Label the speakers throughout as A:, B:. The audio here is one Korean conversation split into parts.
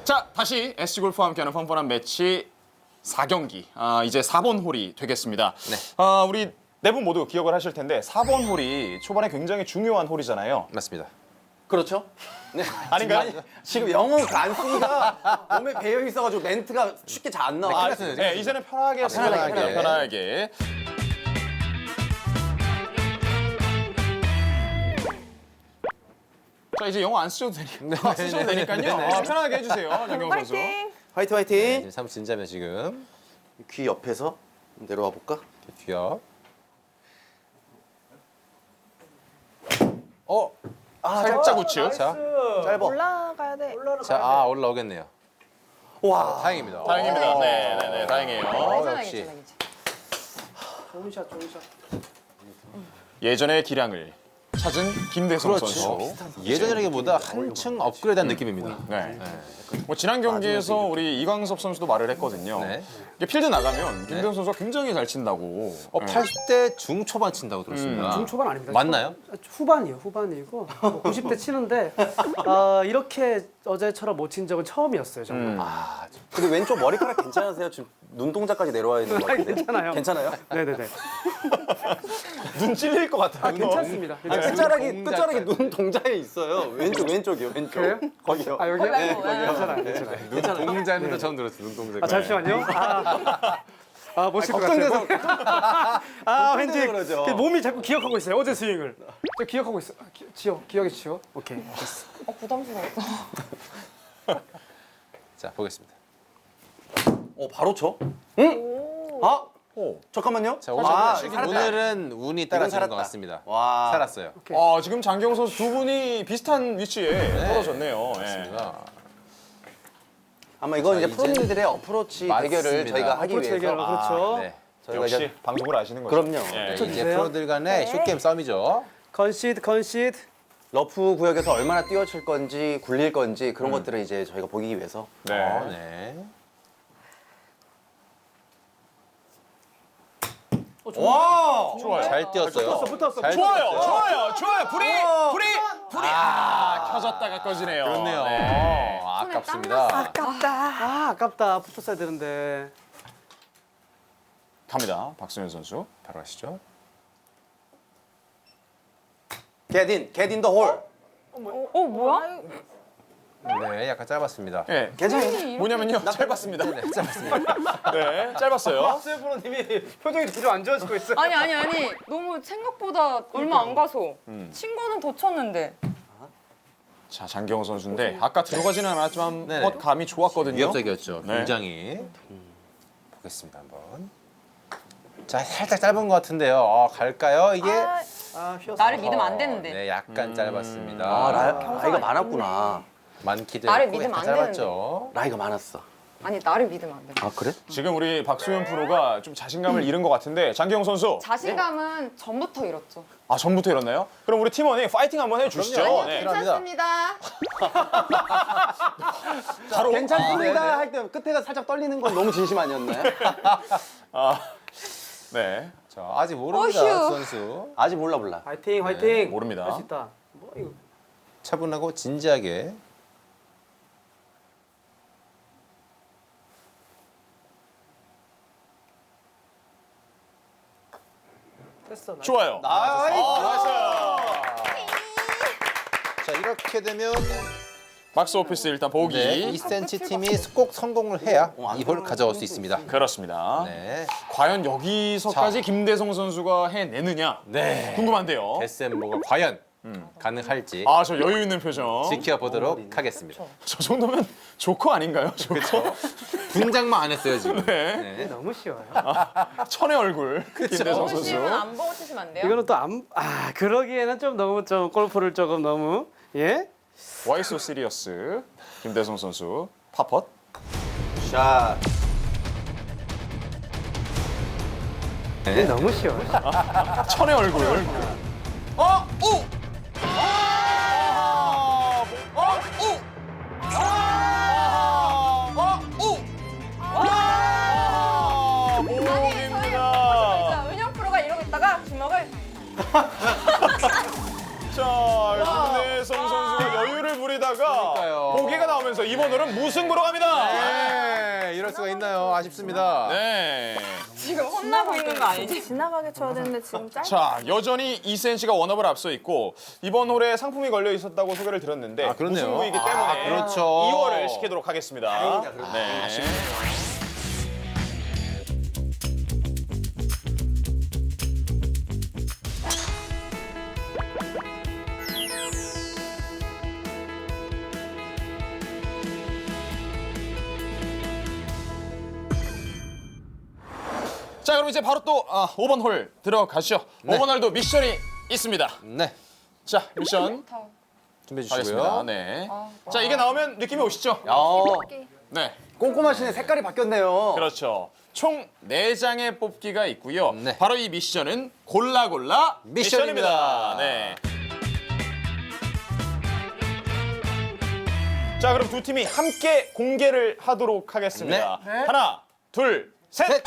A: 자, 다시 SG골프와 함께하는 펀펀한 매치 4경기. 이제 4번 홀이 되겠습니다.
B: 네.
A: 우리 네 분 모두 기억을 하실 텐데 4번 홀이 초반에 굉장히 중요한 홀이잖아요.
B: 맞습니다.
C: 그렇죠? 네.
A: 아닌가요?
C: 지금 영어 안쓰기가 몸에 배어 있어가지고 멘트가 쉽게 잘 안 나와.
A: 네, 이제는 편하게
B: 편하게.
A: 편하게. 자, 이제 영어 안 쓰셔도 되니까 쓰셔도 되니까요. 편하게 해주세요, 정경 선수.
C: 화이팅 화이팅.
B: 이제 사무 진자면 지금
C: 귀 옆에서 내려와 볼까?
B: 귀엽.
A: 살짝 우측.
B: 자,
C: 짧아.
D: 올라가야 돼.
B: 자, 올라오겠네요.
C: 와.
B: 다행입니다.
A: 다행입니다. 네, 다행이에요.
B: 역시.
D: 좋은 샷, 좋은 샷.
A: 예전의 기량을 찾은 김대성
B: 그렇죠.
A: 선수.
B: 예전이라기보다 한층 업그레이드한 느낌입니다.
A: 네. 뭐 지난 경기에서 우리 이광섭 선수도 말을 했거든요.
B: 네.
A: 이게 필드 나가면 김대성 선수가 굉장히 잘 친다고.
B: 80대 중초반 친다고 들었습니다.
D: 중초반 아닙니다.
B: 맞나요?
D: 후반이요, 후반이고 90대 치는데 이렇게 어제처럼 못 친 적은 처음이었어요, 정말.
C: 근데 왼쪽 머리카락 괜찮으세요? 지금 눈동자까지 내려와 있는 거 같은데.
D: 괜찮아요.
C: 괜찮아요?
D: 네네네.
A: 눈 찔릴 것 같아요.
D: 괜찮습니다.
C: 끝자락이 눈동자에 있어요. 왼쪽이요, 왼쪽.
D: 그래요?
C: 거기요.
D: 여기요?
C: 네,
D: 괜찮아요, 괜찮아요.
B: 동자는 처음 들었어요. 눈동자.
D: 잠시만요. 못칠 것
C: 걱정돼서
D: 같아요. 왠지
C: 그러죠.
D: 그 몸이 자꾸 기억하고 있어요. 어제 스윙을. 저 기억하고 있어. 기억이 지워. 오케이. 됐어.
E: 부담스러웠어.
B: 자, 보겠습니다.
C: 바로 쳐? 응? 잠깐만요.
B: 자, 오늘,
C: 살았다.
B: 오늘은 운이 따라주는
C: 살았다.
B: 것 같습니다.
C: 와.
B: 살았어요.
A: 지금 장경 선수 두 분이 비슷한 위치에 떨어졌네요.
B: 맞습니다.
C: 아마 이건 이제
B: 이제
C: 프로님들의 어프로치
B: 맞습니다.
C: 대결을 저희가 하기
D: 어프로치
C: 위해서.
D: 대결, 그렇죠.
B: 네.
C: 저희가
A: 역시
C: 이제
A: 방송을 아시는 거죠.
C: 그럼요.
A: 예.
B: 이제
D: 주세요.
B: 프로들 간의 숏게임 싸움이죠.
D: 컨시드.
C: 러프 구역에서 얼마나 뛰어칠 건지 굴릴 건지 그런 것들을 이제 저희가 보기 위해서.
A: 네.
B: 네.
C: 와!
A: 좋아요.
B: 잘 뛰었어요.
D: 붙었어.
B: 잘
A: 좋아요.
B: 뛰었어요.
A: 좋아요. 불이 켜졌다가 꺼지네요.
B: 그렇네요.
A: 네.
B: 아깝습니다.
D: 아깝다. 붙었어야 되는데.
A: 갑니다. 박승현 선수.
B: 바로 하시죠.
C: Get in the hole.
E: 뭐야?
B: 네, 약간 짧았습니다.
A: 네.
C: 괜찮아요.
A: 뭐냐면요. 짧았습니다.
B: 네, 짧았습니다.
A: 네, 짧았어요.
D: 박수현 프로님이 표정이 뒤로 안 좋아지고 있어요.
E: 아니 너무 생각보다 얼마 안 가서 친 거는 더 쳤는데.
A: 자, 장경호 선수인데 아까 들어가지는 않았지만
B: 네네.
A: 펫 감이 좋았거든요.
B: 위협적이었죠.
A: 네.
B: 굉장히. 보겠습니다, 한번. 자, 살짝 짧은 것 같은데요. 갈까요? 이게?
D: 휘었어.
E: 나를 믿으면 안 되는데.
B: 네, 약간 짧았습니다.
C: 나이가 많았구나.
B: 많기도
E: 나를
B: 했고
E: 믿으면
B: 약간
E: 안
B: 짧았죠.
C: 나이가 많았어.
E: 아니 나를 믿으면 안 돼.
C: 아, 그래?
A: 지금 우리 박수현 프로가 좀 자신감을 잃은 것 같은데 장경호 선수.
E: 자신감은 전부터 잃었죠.
A: 전부터 잃었나요? 그럼 우리 팀원이 파이팅 한번 해주시죠.
B: 그럼요.
A: 네.
E: 괜찮습니다.
A: 바로
C: 괜찮습니다 할 때 끝에가 살짝 떨리는 건 너무 진심 아니었나요?
A: 네.
B: 자, 아직 모릅니다,
E: 어휴.
B: 선수.
C: 아직 몰라.
D: 화이팅.
A: 모릅니다.
D: 할 수 있다. 뭐 이거.
B: 차분하고 진지하게.
D: 됐어.
A: 좋아요. 나이스.
B: 자, 이렇게 되면
A: 박스 오피스 일단 보기.
B: 네, 2cm 팀이 꼭 성공을 해야 이 홀 가져올 수 있습니다.
A: 그렇습니다.
B: 네.
A: 과연 여기서까지 김대성 선수가 해내느냐
B: 네.
A: 궁금한데요.
B: 데센보가 과연 가능할지
A: 저 여유 있는 표정.
B: 지켜보도록 하겠습니다.
A: 저 정도면 조커 아닌가요? 조커.
B: 분장만 안 했어요, 지금.
A: 네.
B: 네.
D: 너무 쉬워요.
A: 천의 얼굴. 김대성 선수.
E: 보시면 안 보고 치시면 안 돼요?
D: 이거는 또 그러기에는 좀 너무 골프를 조금 너무
A: Why so serious? 김대성 선수. 파펫.
C: 샷.
D: 이게 너무 쉬워요.
A: 천의 얼굴. 오!
E: 아니 저희 은영 프로가 이러고 있다가 주먹을
A: 자, 김대성 선수가 여유를 부리다가
B: 그러니까요.
A: 보기가 나옵니다. 나오면서 이번 홀은 무승부로 갑니다.
B: 네, 이럴 수가 있나요? 아쉽습니다.
A: 네.
E: 지금 혼나고 있는 거 아니지?
F: 지나가게 쳐야 되는데 지금 짧.
A: 자, 여전히 2cm가 원업을 앞서 있고 이번 홀에 상품이 걸려 있었다고 소개를 들었는데
B: 아, 그렇네요.
A: 무승부이기 때문에
B: 그렇죠.
A: 2월을 시키도록 하겠습니다. 네. 자, 그럼 이제 바로 또 5번 홀 들어가시죠. 5번 홀도 미션이 있습니다.
B: 네,
A: 자, 미션
B: 준비해
A: 하겠습니다.
B: 주시고요.
A: 네. 자, 이게 나오면 느낌이 오시죠? 네.
C: 꼼꼼하시네. 색깔이 바뀌었네요.
A: 그렇죠. 총 4장의 뽑기가 있고요.
B: 네.
A: 바로 이 미션은 골라 미션입니다.
B: 미션입니다.
A: 네. 자, 그럼 두 팀이 함께 공개를 하도록 하겠습니다. 하나, 둘, 셋.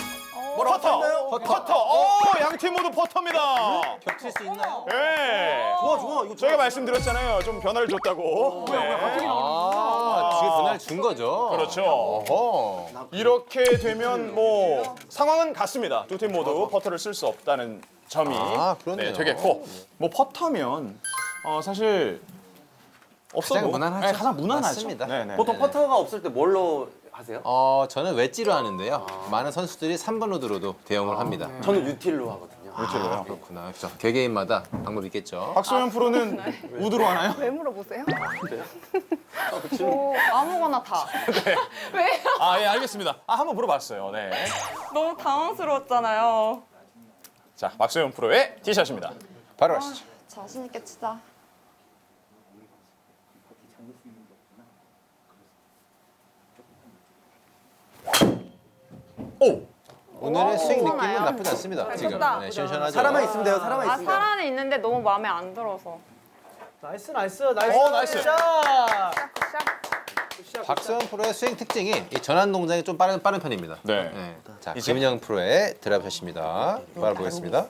A: 퍼터. 양 팀 모두 퍼터입니다.
B: 겹칠 수 있나요?
A: 네.
C: 좋아. 이거
A: 저희가 말씀드렸잖아요. 좀 변화를 줬다고. 네.
B: 지금 그날 준 거죠.
A: 그렇죠.
B: 어허.
A: 이렇게 되면 뭐 상황은 같습니다. 두 팀 모두 퍼터를 쓸 수 없다는 점이
B: 그렇네요.
A: 되겠고, 뭐 퍼터면 사실 없어도
B: 가장 무난하죠.
A: 네, 가장 무난하죠.
B: 맞습니다.
A: 네네.
C: 보통 퍼터가 없을 때 뭘로 하세요?
B: 저는 웨지로 하는데요. 많은 선수들이 3번 로드로도 대용을 합니다.
C: 저는 유틸로 하거든요.
A: 그렇죠.
B: 그렇구나. 그렇죠. 개개인마다 방법이 있겠죠.
A: 박소연 프로는 우드로 하나요?
F: 왜 물어보세요?
E: 아무거나 다. 왜요?
A: 예, 알겠습니다. 한번 물어봤어요. 네.
E: 너무 당황스러웠잖아요.
A: 자, 박소연 프로의 티샷입니다.
B: 바로 하시죠.
E: 자신 있게 치자.
A: 오!
B: 오늘의 스윙 느낌은
F: 괜찮아요.
B: 나쁘지 않습니다. 지금
F: 좋다.
B: 네, 시원시원하죠.
C: 사람만 있으면 돼요. 사람만 있으면 돼요.
E: 살아는 있는데 너무 마음에 안 들어서.
D: 나이스.
A: 나이스.
D: 샷.
B: 박서연 프로의 스윙 특징이 이 전환 동작이 좀 빠른 편입니다.
A: 네.
B: 자,
A: 이제?
B: 김인영 프로의 드랍샷입니다. 바라보겠습니다.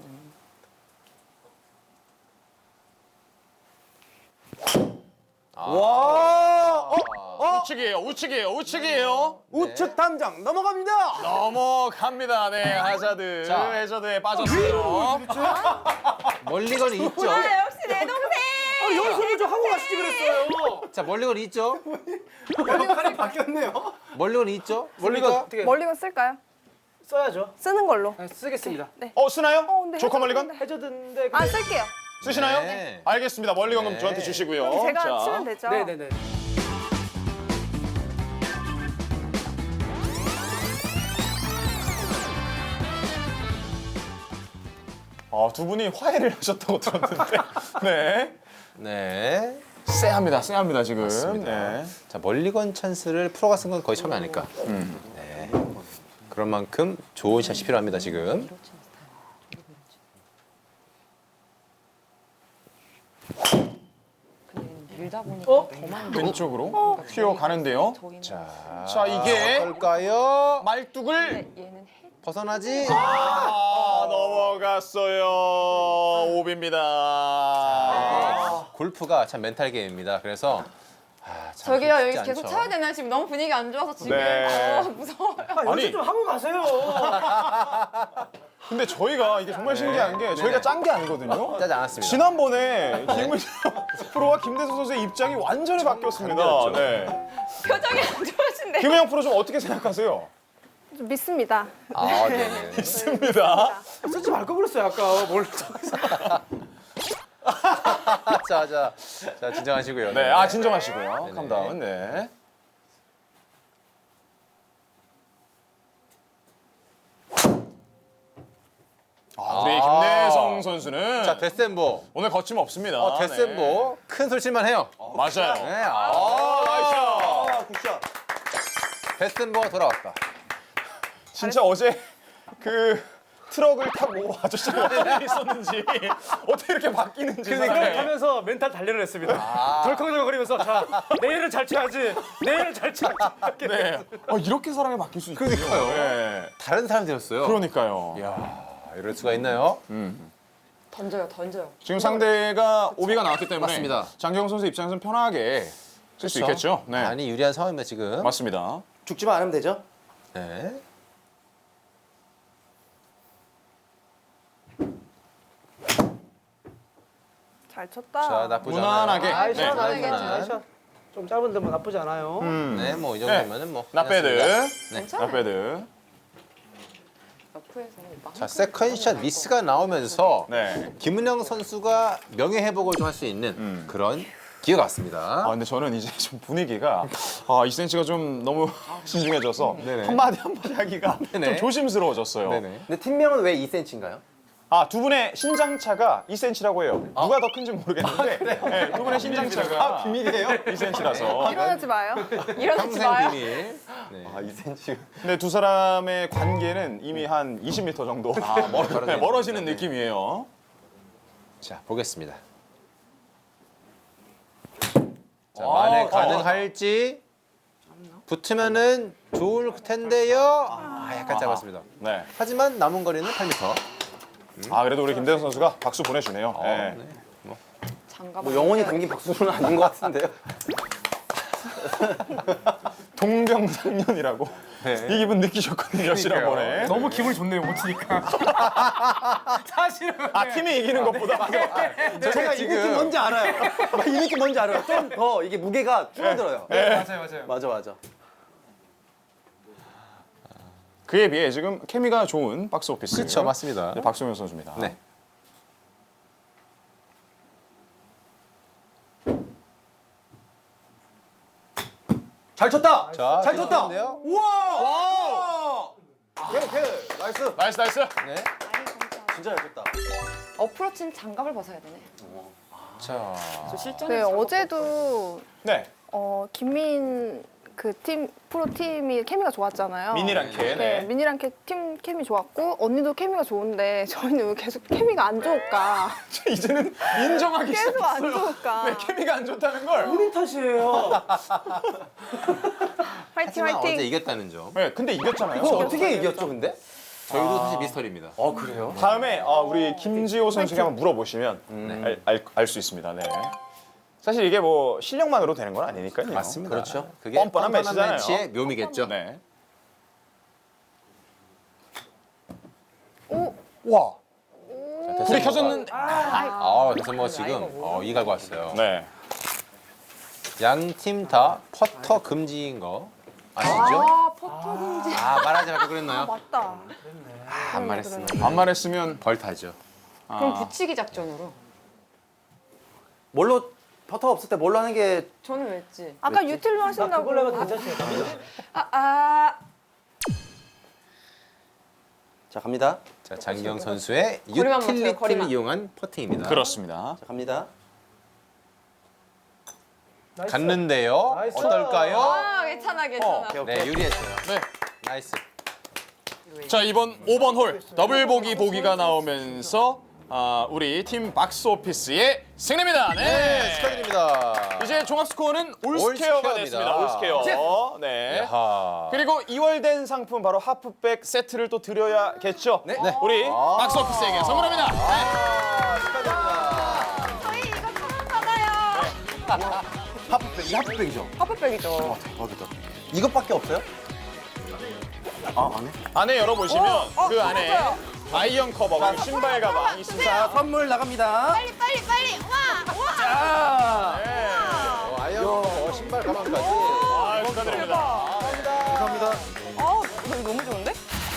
A: 우측이에요.
C: 우측 탐정 넘어갑니다.
A: 넘어갑니다. 네, 하자드.
B: 자.
A: 해저드에 빠졌어요.
B: 멀리건이 있죠.
E: 역시 내 동생!
D: 연습을 좀 하고 가시지 그랬어요.
B: 자, 멀리건이 있죠.
C: 역할이 바뀌었네요.
B: 멀리건이 있죠. 멀리건
D: 어떻게
F: 멀리건 쓸까요?
D: 써야죠.
F: 쓰는 걸로.
D: 네, 쓰겠습니다.
A: 쓰나요?
F: 근데
A: 조커 멀리건?
D: 해저드인데
F: 아 쓸게요.
A: 쓰시나요?
B: 네.
A: 알겠습니다. 멀리건 그럼
B: 네.
A: 저한테 주시고요.
F: 제가
A: 자.
F: 치면 되죠.
D: 네네네.
A: 두 분이 화해를 하셨다고 들었는데. 네.
B: 네.
A: 쎄합니다, 지금.
B: 맞습니다.
A: 네.
B: 자, 멀리건 찬스를 프로가 쓴 건 거의 처음이 아닐까. 네. 그런 만큼 좋은 샷이 필요합니다, 지금.
E: 밀다 보니까
A: 왼쪽으로 튀어가는데요. 자, 이게
B: 뭘까요?
A: 말뚝을
E: 얘는
B: 벗어나지?
A: 넘어갔어요. 오비입니다.
B: 골프가 참 멘탈 게임입니다. 그래서 참
E: 저기요
B: 쉽지
E: 여기 계속
B: 않죠.
E: 쳐야 되나요? 지금 너무 분위기 안 좋아서 지금
A: 네.
E: 무서워요.
D: 연습
A: 아니.
D: 좀 하고 가세요.
A: 근데 저희가 이게 정말 신기한 게 저희가 짠 게 아니거든요.
B: 짜지 않았습니다.
A: 지난번에 김은정 프로와 김대수 선수의 입장이 완전히 바뀌었습니다.
B: 다르죠.
A: 네.
E: 표정이 안 좋으신데.
A: 김은영 프로 좀 어떻게 생각하세요?
F: 좀 믿습니다.
B: 네네.
A: 있습니다.
D: 쓰지 말 걸 그랬어요 아까. 뭘.
B: 자, 진정하시고요.
A: 네, 진정하시고요.
B: 네네.
A: 캄다운. 네. 우리 김대성 선수는
B: 자, 데센보.
A: 오늘 거침없습니다.
B: 데센보. 큰 솔질만 해요.
A: 네. 맞아요.
B: 네,
A: 나이스.
C: 굿샷.
B: 데센보가 돌아왔다.
A: 진짜 어제 그 트럭을 타고 아저씨가 어떤 일이 있었는지 어떻게 이렇게 바뀌는지 사람이.
D: 하면서 멘탈 단련을 했습니다. 덜컹덜컹거리면서 자 내일은 잘 쳐야지. 내일은 잘 쳐야지. 이렇게.
A: 네. 이렇게 사람이 바뀔 수 있군요.
B: 그러니까요.
A: 네.
B: 다른 사람이 되었어요.
A: 그러니까요.
B: 이럴 수가 있나요?
E: 던져요.
A: 지금 상대가 오비가 나왔기 때문에
B: 맞습니다.
A: 장경 선수 입장에서는 편하게 쓸 수 있겠죠. 네.
B: 많이 유리한 상황입니다 지금.
A: 맞습니다.
C: 죽지만 않으면 되죠.
B: 네.
F: 잘 쳤다.
B: 자 나쁘지
A: 무난하게.
B: 않아요.
A: 네.
D: 나이스, 나이스. 좀 짧은 데뭐 나쁘지 않아요.
B: 네, 뭐 이 정도면은 뭐.
A: 나배드.
B: 괜찮습니다.
E: 괜찮아요.
A: 나배드.
E: 옆에서 막
B: 자 세컨샷 미스가 나오면서
A: 네.
B: 김은영 선수가 명예 회복을 좀 할 수 있는 그런 기회가 왔습니다.
A: 아 근데 저는 이제 좀 분위기가 2cm가 좀 너무 신중해져서
B: 네네.
A: 한마디 하기가
B: 네네.
A: 좀 조심스러워졌어요.
B: 네네.
C: 근데 팀명은 왜 2cm인가요?
A: 두 분의 신장차가 2cm라고 해요. 누가 더 큰지 모르겠는데 네, 두 분의 신장차가
C: 비밀이에요?
A: 2cm라서.
F: 일어나지 마요.
E: 일어나지
B: 평생
E: 마요.
B: 비밀. 네.
C: 2cm.
A: 근데 두 사람의 관계는 이미 한 20m 정도 멀어지는 느낌이에요.
B: 자 보겠습니다. 자 만에 가능할지 붙으면은 좋을 텐데요. 약간 짧았습니다.
A: 네.
B: 하지만 남은 거리는 8m.
A: 그래도 우리 김대현 선수가 박수 보내주네요. 네.
E: 장갑.
C: 뭐 영원히 당긴 박수는 아닌 것 같은데요.
A: 동병상련이라고 이 기분 느끼셨거든요, 지난번에.
D: 너무 기분이 좋네요, 못 치니까. 사실은.
A: 팀이 이기는 것보다.
C: 제가 이 느낌 뭔지 알아요. 이 느낌 뭔지 알아요. 좀 더 이게 무게가 줄어들어요.
D: 맞아요.
C: 맞아.
A: 그에 비해 지금 케미가 좋은 박스 오피스.
B: 그렇죠, 맞습니다.
A: 네, 박수현 선수입니다.
B: 네.
C: 잘 쳤다.
B: 자,
C: 잘 쳤다.
B: 좋은데요?
C: 우와. 오케이. 나이스.
A: 나이스.
B: 네.
C: 진짜 잘 쳤다.
E: 어프로치는 장갑을 벗어야 되네.
B: 자.
E: 저 실전에서
F: 네,
E: 장갑
F: 어제도
A: 네.
F: 김민 그 팀 프로 팀이 케미가 좋았잖아요.
A: 미니랑 케.
F: 네,
A: 네.
F: 민이랑 팀 케미 좋았고 언니도 케미가 좋은데 저희는 왜 계속 케미가 안 좋을까?
A: 이제는 인정하기
F: 계속 안
A: 시작했어요.
F: 좋을까?
A: 네, 케미가 안 좋다는 걸.
D: 본인 탓이에요.
F: 화이팅
B: 하지만 어제
F: 화이팅.
B: 이겼다는 점.
A: 네, 근데 이겼잖아요.
C: 이거 어떻게 이겼죠, 근데?
B: 저희도 사실 미스터리입니다.
C: 그래요?
A: 다음에 우리 김지호 선수에게 한번 물어보시면 알 수 있습니다. 네. 사실 이게 뭐 실력만으로 되는 건 아니니까요.
B: 맞습니다.
C: 그렇죠.
B: 그게
A: 뻔뻔한 매치잖아요.
B: 매치의 묘미겠죠.
A: 네.
F: 오,
A: 와.
B: 불이
A: 켜졌는데.
B: 그래서 뭐 지금 이 갈고 왔어요.
A: 네.
B: 양 팀 다 퍼터 금지인 거 아시죠?
E: 퍼터 금지.
B: 말하지 말고 그랬나요?
F: 맞다.
B: 안 말했으면
A: 안 말했으면
B: 벌타죠.
E: 그럼 붙이기 작전으로.
C: 뭘로 퍼터가 없을 때 뭘로 하는 게
E: 저는 왜 했지?
F: 아까 유틸로 하신다고.
D: 그걸로 해도 괜찮죠.
C: 자, 갑니다.
B: 자 장기영 선수의
E: 거리만 맞춰요,
B: 유틸리티를
E: 거리만.
B: 이용한 퍼팅입니다.
A: 그렇습니다.
C: 자, 갑니다.
D: 나이스.
B: 갔는데요.
D: 나이스.
B: 어떨까요?
E: 괜찮아.
C: 오케이.
B: 네 유리했어요.
A: 네.
B: 나이스.
A: 자, 이번 5번 홀 더블 보기가 나오면서 우리 팀 박스 오피스의 승리입니다. 네.
B: 축하드립니다.
A: 이제 종합 스코어는 올스케어가
B: 올스케어입니다.
A: 됐습니다. 올스케어. 네.
B: 야하.
A: 그리고 2월된 상품 바로 하프백 세트를 또 드려야겠죠.
C: 네.
A: 우리 박스 오피스에게 선물합니다. 네.
B: 축하드립니다.
E: 저희 이거 처음 받아요.
C: 하프백, 이게 하프백이죠?
E: 하프백이죠.
C: 대박이다. 이것밖에 없어요? 안 해?
A: 안에 열어보시면 그 안에 아이언 커버, 그리고 신발 가방 있습니다.
C: 선물 나갑니다.
E: 빨리. 와.
C: 자,
A: 네.
B: 아이언 신발 가방까지.
A: 축하드립니다.
C: 감사합니다.
E: 이거 너무 좋은데?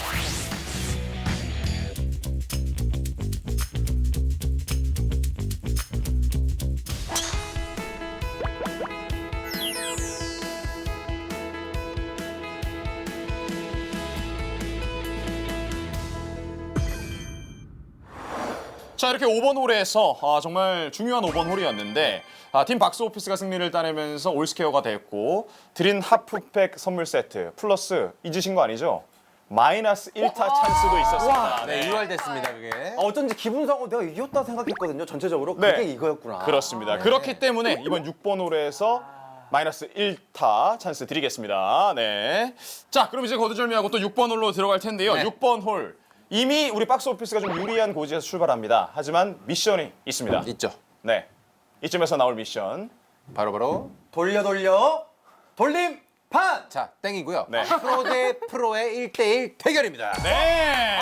A: 자, 이렇게 5번 홀에서 정말 중요한 5번 홀이었는데 팀 박스 오피스가 승리를 따내면서 올스케어가 됐고 드린 하프팩 선물 세트 플러스 잊으신 거 아니죠? 마이너스 1타 찬스도 있었습니다.
B: 네 유발됐습니다 그게.
C: 어쩐지 기분상으로 내가 이겼다 생각했거든요, 전체적으로.
A: 네.
C: 그게 이거였구나.
A: 그렇습니다. 그렇기 때문에 이번 6번 홀에서 마이너스 1타 찬스 드리겠습니다. 네. 자, 그럼 이제 거두절미하고 또 6번 홀로 들어갈 텐데요.
B: 네.
A: 6번 홀. 이미 우리 박스 오피스가 좀 유리한 고지에서 출발합니다. 하지만 미션이 있습니다.
B: 있죠.
A: 네. 이쯤에서 나올 미션.
B: 바로
C: 돌려 돌림판.
B: 자, 땡이고요.
A: 네.
B: 프로 대 프로의 1대1 대결입니다.
A: 네.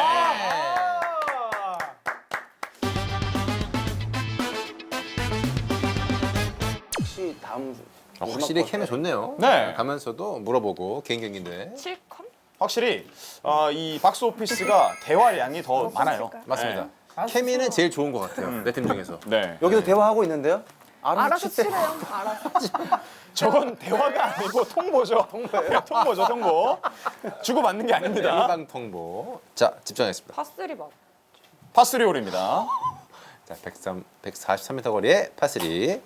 C: 혹시 다음
B: 확실히 캠이 좋네요.
A: 네.
B: 가면서도 물어보고 개인 경기인데.
E: 7컴?
A: 확실히 이 박스 오피스가 대화량이 더 많아요.
B: 맞습니다. 케미는 제일 좋은 것 같아요. 내 팀 중에서.
A: 네.
C: 여기서 대화하고 있는데요.
F: 알아서
C: 치세요.
F: 치래요. 알아서.
A: 저건 대화가 아니고 통보죠. 통보예요. 통보죠, 통보. 주고 받는 게 아닙니다.
B: 일방 통보. 자, 집중하겠습니다.
E: 파스리 맛.
A: 파스리 홀입니다.
B: 자, 143m 거리의 파3.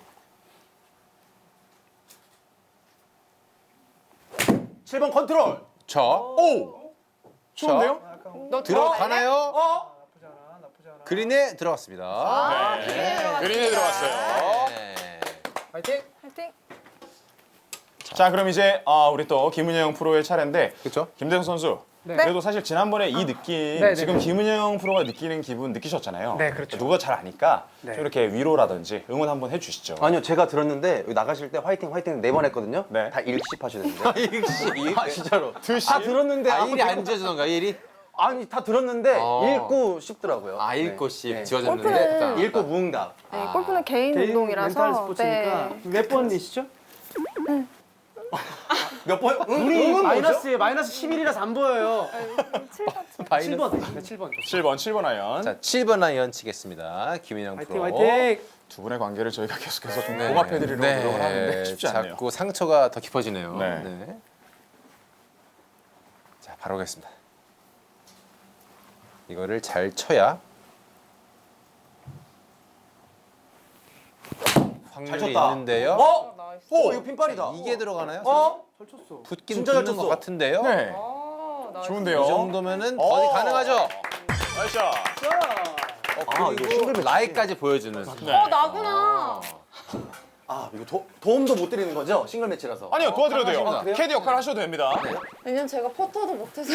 C: 7번 컨트롤.
B: 자,
A: 오! 좋은데요?
E: 너
B: 들어가나요? 그린에 들어갔습니다.
A: 네. 그린에 들어갔어요.
B: 네.
C: 파이팅.
F: 화이팅.
A: 자, 그럼 이제 우리 또 김은영 프로의 차례인데
B: 그렇죠?
A: 김대성 선수.
D: 네.
A: 그래도 사실 지난번에 이 느낌
D: 네,
A: 지금
D: 네.
A: 김은영 프로가 느끼는 기분 느끼셨잖아요.
D: 네, 그렇죠.
A: 누가 잘 아니까
D: 네.
A: 좀 이렇게 위로라든지 응원 한번 해주시죠.
C: 아니요, 제가 들었는데 여기 나가실 때 화이팅 4번 했거든요.
A: 네.
C: 다 일씩 하시던데.
B: 일시.
C: 아 진짜로.
A: 드시?
C: 다 들었는데
B: 아,
C: 아무
B: 1이 안 지어지던가, 1이?
C: 아니 다 들었는데 읽고 싶더라고요.
B: 아,
C: 네.
B: 1코씩
C: 네.
B: 지어졌는데.
F: 골프는
C: 읽고 무응답.
F: 네, 골프는 개인,
D: 개인
F: 운동이라서.
D: 멘탈 스포츠니까
F: 네.
D: 몇 번이시죠?
C: 몇 번?
D: 우리 마이너스 11이라서 안 보여요.
F: 7번.
D: 7번. 7번.
A: 7번 아이언.
B: 자, 7번 아이언 치겠습니다. 김인영
D: 화이팅
B: 프로.
D: 화이팅.
A: 두 분의 관계를 저희가 계속해서 좀
B: 네.
A: 봉합해드리려고
B: 네.
A: 노력을 하는데 쉽지 않네요.
B: 자꾸 상처가 더 깊어지네요.
A: 네.
B: 네. 자, 바로 가겠습니다. 이거를 잘 쳐야 확률이
C: 쳤다.
B: 있는데요.
C: 어?
E: 나이스.
C: 오 이거 핀발이다.
B: 이게 들어가나요?
C: 어?
D: 잘 쳤어.
B: 붙긴
C: 진짜 잘
B: 붙는 것
C: 쳤어.
B: 같은데요.
A: 네.
E: 아, 나이스.
A: 좋은데요.
B: 이 정도면은 버디 가능하죠.
A: 나이스.
C: 아, 이거 싱글 매치.
B: 라이까지 보여주는.
A: 네.
E: 나구나.
C: 아 이거 도움도 못 드리는 거죠? 싱글 매치라서.
A: 아니요, 도와드려도 돼요.
C: 아, 그래요?
A: 캐디 역할 하셔도 됩니다.
E: 왜냐면 제가 퍼터도 못해서.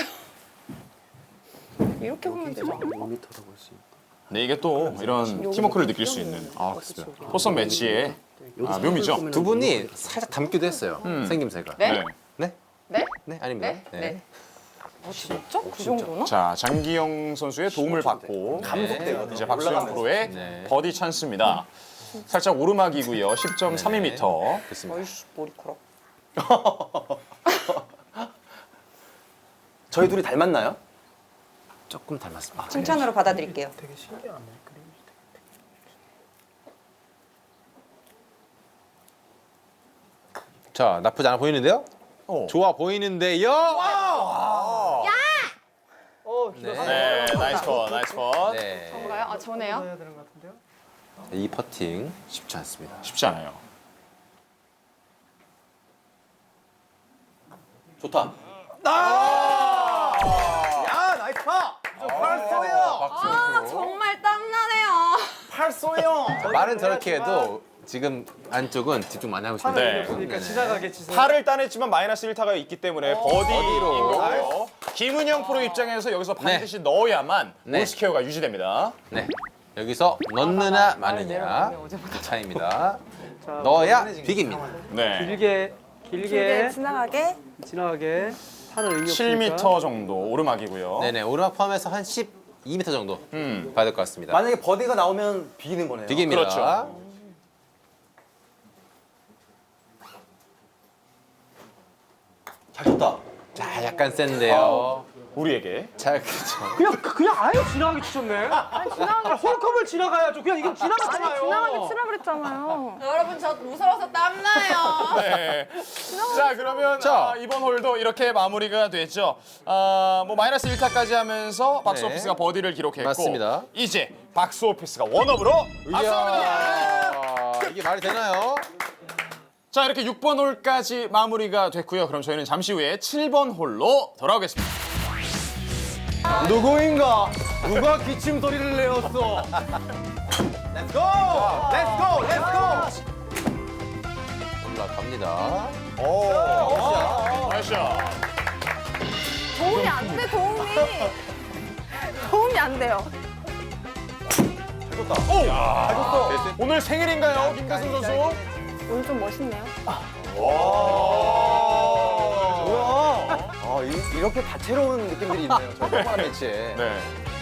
E: 이렇게 보면 되죠.
D: 5m라고 할수 있다.
A: 네, 이게 또 이런 팀워크를 느낄 수 있는
B: 그렇습니다.
A: 포선 매치의 묘미죠.
B: 두 분이 살짝 닮기도 했어요. 생김새가.
E: 네?
B: 네?
E: 네?
B: 네? 아닙니다.
E: 네? 네. 진짜? 그 정도나?
A: 자, 장기영 선수의 도움을 받고
C: 감속되거든요.
A: 이제 박수영
C: 올라가면서.
A: 프로의
B: 네.
A: 버디 찬스입니다. 살짝 오르막이고요. 10.32m.
B: 그렇습니다.
E: 아이씨, 머리카락.
C: 저희 둘이 닮았나요?
B: 조금 닮았습니다.
E: 칭찬으로 받아드릴게요.
D: 되게 신기하네. 그림이.
B: 자, 나쁘지 않아 보이는데요?
A: 오.
B: 좋아 보이는데요.
A: 네, 나이스 펀, 나이스 펀.
B: 네.
E: 저인가요? 아, 저네요?
D: 해야 되는 것 같은데요?
B: 이 퍼팅 쉽지 않습니다.
A: 쉽지 않아요.
C: 좋다. 야 나이스 파. 팔쏘요.
E: 아, 정말 땀나네요.
C: 팔쏘요.
B: 말은 저렇게 해도 지금 안쪽은 집중 많이 하고 있습니다.
A: 네.
D: 그러니까 지나가게 치세요.
A: 팔을 따냈지만 마이너스 1타가 있기 때문에 버디인 거고요. 김은영 프로 입장에서 여기서 반드시 넣어야만
B: 네.
A: 올스퀘어가 유지됩니다.
B: 네. 여기서 넣느냐 마느냐
E: 내려가면 어제보다
B: 차이입니다. 넣어야 빅입니다.
A: 네.
D: 길게
F: 길게 지나가게.
D: 지나가게 타는 의미 없으니까.
A: 7m 정도 오르막이고요.
B: 네네. 오르막 포함해서 한 12m 정도 봐야 될 것 같습니다.
C: 만약에 버디가 나오면 비기는 거네요.
B: 빅입니다.
A: 그렇죠.
C: 잘 쳤다.
B: 자, 약간 센데요.
A: 우리에게.
B: 자, 그렇죠.
D: 그냥 아예 지나가게 치셨네. 아니 홀컵을 지나가야죠. 그냥 이건 지나갔잖아요.
F: 지나가게 치라 그랬잖아요.
E: 여러분, 저 무서워서 땀나요.
A: 네. 자, 그러면
B: 자.
A: 이번 홀도 이렇게 마무리가 됐죠. 뭐 마이너스 1타까지 하면서 박스
B: 네.
A: 오피스가 버디를 기록했고
B: 맞습니다.
A: 이제 박스 오피스가 원업으로 앞서갑니다.
B: 이야, 이게 말이 되나요?
A: 자, 이렇게 6번 홀까지 마무리가 됐고요. 그럼 저희는 잠시 후에 7번 홀로 돌아오겠습니다.
C: 누구인가? 누가 기침 소리를 내었어? Let's go! Let's go! Let's go!
B: 올라갑니다.
A: 나이스.
F: 도움이 안 돼, 도움이. 도움이 안 돼요.
A: 오늘 생일인가요, 김대승 선수?
F: 오늘 좀 멋있네요.
C: 뭐야? 이렇게 다채로운 느낌들이 있네요. 저 뽀뽀한 매치에.
A: 네.